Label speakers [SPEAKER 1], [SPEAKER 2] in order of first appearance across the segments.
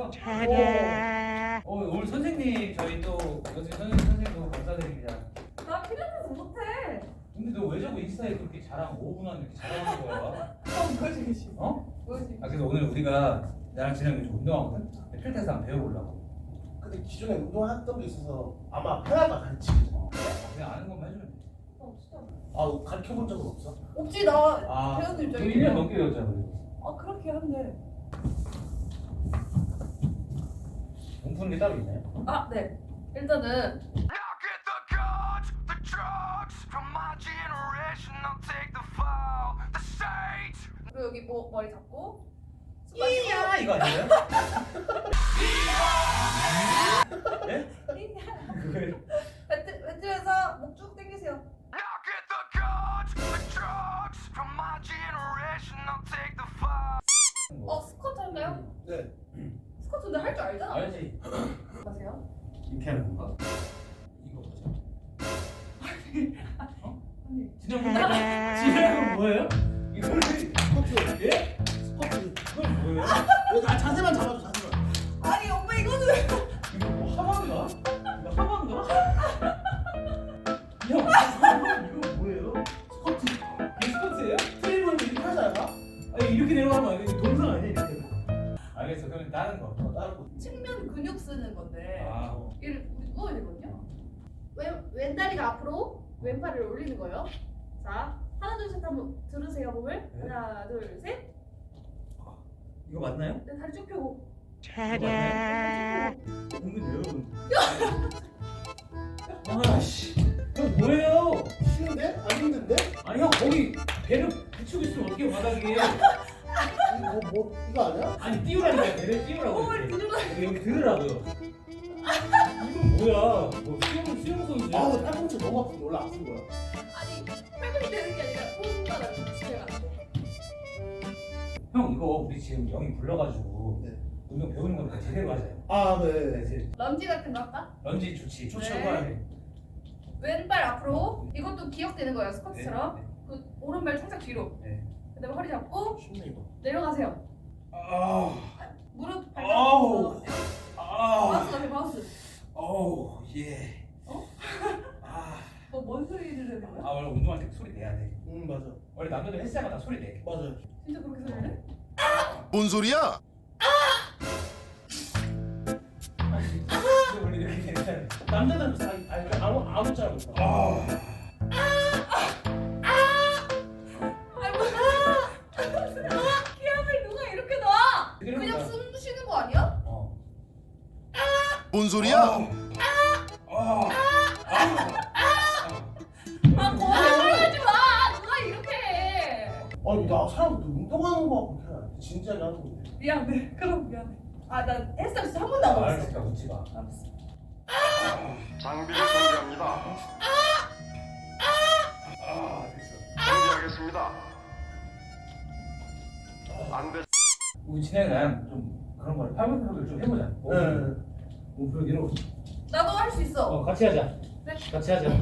[SPEAKER 1] 오늘 선생님 저희 또 선생님도 감사드립니다.
[SPEAKER 2] 나 필요해서 못해.
[SPEAKER 1] 근데 너 왜 자꾸 인스타에 그렇게 자랑 5분 안에 이렇게 자랑하는 거야?
[SPEAKER 2] 보여주기 싫어.
[SPEAKER 1] 어?
[SPEAKER 2] 보여주기
[SPEAKER 1] 아 그래서 오늘 우리가 나랑 진영이 좀 운동하거든? 필테스 한번 배워보려고.
[SPEAKER 3] 근데 기존에 운동했던 게 있어서 아마 편하다 가르치기.
[SPEAKER 1] 그냥 아는 것만 해주면 돼.
[SPEAKER 2] 진짜.
[SPEAKER 3] 아 가르쳐 본 적은 없어?
[SPEAKER 2] 없지 나
[SPEAKER 1] 아,
[SPEAKER 2] 배우는
[SPEAKER 1] 너
[SPEAKER 2] 입장이야.
[SPEAKER 1] 1년 넘게 배웠잖아 그리고.
[SPEAKER 2] 아 그렇게 한대.
[SPEAKER 1] 몸 푸는 게 따로 있나요?
[SPEAKER 2] 아 네. 일단은
[SPEAKER 4] Now get the guns, the drugs from my generation. I'll take the fall, the stage.
[SPEAKER 2] 그리고 여기 뭐 머리 잡고.
[SPEAKER 1] 이야 이거 아니에요? 예? 그거예요?
[SPEAKER 2] 뱉으면서 목 쭉 당기세요.
[SPEAKER 4] Now get the guns, the drugs from my generation. I'll take the fall.
[SPEAKER 2] 스쿼트 할까요?
[SPEAKER 3] 네.
[SPEAKER 2] 스쿼트 근데 할 줄 알잖아.
[SPEAKER 1] 알지?
[SPEAKER 2] 하세요.
[SPEAKER 1] 이렇게 하는 건가? 이거 보자.
[SPEAKER 2] 아니.
[SPEAKER 1] 진영은 뭐예요? 이걸
[SPEAKER 3] 스쿼트.
[SPEAKER 1] 예?
[SPEAKER 3] 스쿼트.
[SPEAKER 1] 이건 뭐예요?
[SPEAKER 3] 아, 자세만 잡아줘 자세만.
[SPEAKER 2] 아니 오빠 이거는
[SPEAKER 1] 이거 뭐 하반가? 이거 하반가? 형 이거 뭐예요?
[SPEAKER 3] 스쿼트.
[SPEAKER 1] 이게 스쿼트예요?
[SPEAKER 3] 트레이닝 이렇게 하지 않아?
[SPEAKER 1] 아니 이렇게 내려가면 안 돼. 이거 동상 아니야 이렇게? 알겠어. 그럼 다른 거.
[SPEAKER 3] 다른 거.
[SPEAKER 2] 측면 근육 쓰는 건데
[SPEAKER 1] 아,
[SPEAKER 2] 얘를 우리 누워야 되거든요. 왼다리가 앞으로 왼팔을 올리는 거예요. 자 하나 둘 셋 한번 들으세요 몸을.
[SPEAKER 1] 네.
[SPEAKER 2] 하나 둘 셋.
[SPEAKER 1] 이거 맞나요?
[SPEAKER 2] 네, 다리 쭉 펴고.
[SPEAKER 1] 은근 여러분. 아씨, 형 뭐예요?
[SPEAKER 3] 쉬운데? 안 힘든데?
[SPEAKER 1] 아니 형 거기 배를 붙이고 있으면 어떻게 바닥에?
[SPEAKER 3] 이거 이거 아니야?
[SPEAKER 1] 아니 띄우라니까 배를 띄우라고.
[SPEAKER 2] 몸을
[SPEAKER 1] 이렇게.
[SPEAKER 2] 들으라.
[SPEAKER 1] 여기 들으라고요. 이건 뭐야? 뭐 수영 선수야?
[SPEAKER 3] 아우 팔꿈치 너무 아픈데 원래 아픈 거야?
[SPEAKER 2] 아니 팔꿈치 되는 게 아니라 손바닥 붙여가지고.
[SPEAKER 1] 형 이거 우리 지금 영희 불러가지고
[SPEAKER 3] 네.
[SPEAKER 1] 운동 배우는 거니까 제대로 하자요.
[SPEAKER 3] 아 네.
[SPEAKER 1] 네, 이제
[SPEAKER 2] 런지 같은 거 할까?
[SPEAKER 1] 런지 좋지. 좋지.
[SPEAKER 2] 네.
[SPEAKER 1] 해야 돼.
[SPEAKER 2] 왼발 앞으로. 이것도 기억되는 거예요 스쿼트처럼.
[SPEAKER 1] 네.
[SPEAKER 2] 그 오른발 살짝 뒤로.
[SPEAKER 1] 네.
[SPEAKER 2] 그다음에 허리 잡고
[SPEAKER 3] 쉽네 이거.
[SPEAKER 2] 내려가세요.
[SPEAKER 1] 아,
[SPEAKER 2] 무릎
[SPEAKER 1] 아우.
[SPEAKER 2] 발가락.
[SPEAKER 1] 아,
[SPEAKER 2] 마우스 같아 마우스.
[SPEAKER 1] 어우, 예.
[SPEAKER 2] 어?
[SPEAKER 1] 아,
[SPEAKER 2] 뭐뭔 소리를 내는 거야?
[SPEAKER 1] 원래 운동할 때 소리 내야 돼.
[SPEAKER 3] 맞아.
[SPEAKER 1] 원래 남자들 헬스장마다 소리 내.
[SPEAKER 3] 맞아.
[SPEAKER 2] 진짜 그렇게 소리를 해?
[SPEAKER 5] 뭔 소리야?
[SPEAKER 1] 원래 이렇게 되는
[SPEAKER 3] 남자들은 다 아니 아무 잘 못해.
[SPEAKER 1] 아,
[SPEAKER 2] 아이 뭐야? 기압을 누가 이렇게 놔? 그냥
[SPEAKER 1] 그러니까.
[SPEAKER 2] 숨 쉬는 거 아니야?
[SPEAKER 1] 어.
[SPEAKER 5] 뭔 소리야?
[SPEAKER 2] 아 거짓말하지 마. 누가 이렇게 해?
[SPEAKER 3] 아니 나 사람 운동하는 거 같고 그냥 안 돼. 진지하게 하는 건데.
[SPEAKER 2] 미안해. 그럼 미안해. 아 나 헬스장 진짜 한 번도 안 가봤어.
[SPEAKER 1] 알았으니까 웃지 마.
[SPEAKER 2] 알았어.
[SPEAKER 4] 장비를 정지합니다.
[SPEAKER 1] 아, 됐어.
[SPEAKER 4] 정지하겠습니다. 안 돼.
[SPEAKER 1] 우리 진영이 나랑 좀 그런 거를 팔굽혀펴기를 좀 해보자.
[SPEAKER 3] 네.
[SPEAKER 1] 몸풀기로.
[SPEAKER 2] 나도 할 수 있어.
[SPEAKER 1] 같이 하자.
[SPEAKER 2] 네.
[SPEAKER 1] 같이 하자.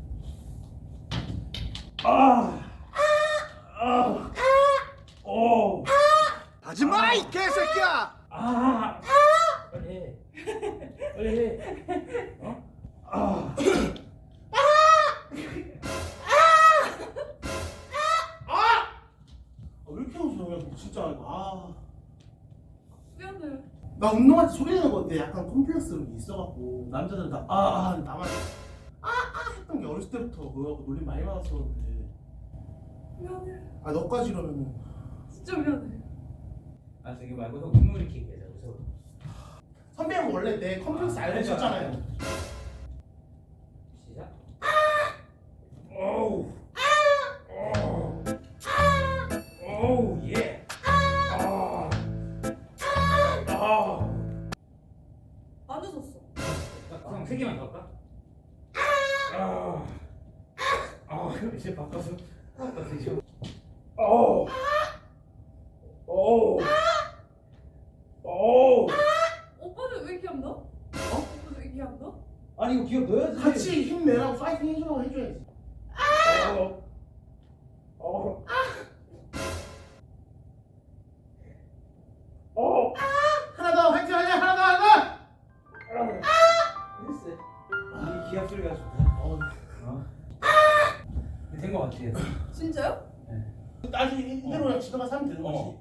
[SPEAKER 1] 아, 아, 오,
[SPEAKER 5] 하지 마, 이 개새끼야!
[SPEAKER 1] 아, 빨리 해. 빨리 해. 어? 아,
[SPEAKER 3] 왜 이렇게 웃어? 진짜 아.
[SPEAKER 2] 미안해.
[SPEAKER 3] 나 운동할 때 소리 내는 건데 약간 콤플렉스 이런 게 있어갖고 남자들은 다 나만 했던 게 어렸을 때부터 그거하고 놀림 많이 받았어 그런데
[SPEAKER 2] 미안해.
[SPEAKER 3] 아 너까지 이러면은
[SPEAKER 2] 진짜 미안해.
[SPEAKER 1] 아 저기 말고 형 눈물 이렇게 얘기하자. 그래서
[SPEAKER 3] 선배는 원래 내 컴플렉스 알고 있었잖아요.
[SPEAKER 1] 시작. 오우. 오우 예. 아. 아.
[SPEAKER 2] 안 웃었어.
[SPEAKER 1] 그럼 세 개만 더 할까? 아. 아 이제 바꿔서 이제. 오. 오. 오.
[SPEAKER 2] 오빠는 왜 기합 넣어? 오빠는 왜 기합 넣어?
[SPEAKER 1] 아니 이거 기억 넣어야지.
[SPEAKER 3] 같이 힘내라고 파이팅 해주라고 해줘야지. 하나 더 화이팅 하자 하나
[SPEAKER 1] 된 거 같아요.
[SPEAKER 2] 진짜요?
[SPEAKER 3] 아직 이대로 그냥 집에 가서 하면 되는 거지.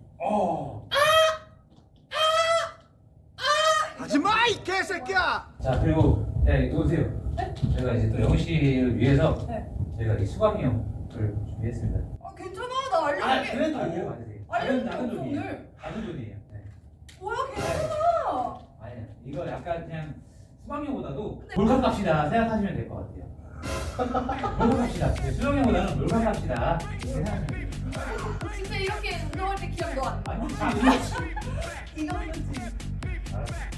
[SPEAKER 5] 하지 마, 이 개새끼야!
[SPEAKER 1] 자 그리고 네 놓으세요. 제가 이제 또 영희 씨를 위해서
[SPEAKER 2] 네.
[SPEAKER 1] 저희가 이 수강용을 준비했습니다.
[SPEAKER 2] 아 괜찮아 나
[SPEAKER 3] 아
[SPEAKER 2] 알려줄게.
[SPEAKER 3] 그래도
[SPEAKER 1] 받으세요.
[SPEAKER 2] 알려줄게
[SPEAKER 1] 작은
[SPEAKER 2] 없어
[SPEAKER 1] 돈이에요.
[SPEAKER 2] 오늘.
[SPEAKER 1] 작은 돈이에요. 네.
[SPEAKER 2] 뭐야 괜찮아.
[SPEAKER 1] 아니요. 이거 약간 그냥 수강료보다도 몰카 값이다 생각하시면 될 것 같아요. 몰카 값이다. 수강료보다는 몰카 값이다. 생각하시면 돼요.
[SPEAKER 2] 진짜 이렇게 운동할 때 기억 너안 나.
[SPEAKER 1] 아니,
[SPEAKER 2] 이거 하면 지
[SPEAKER 1] 알았어.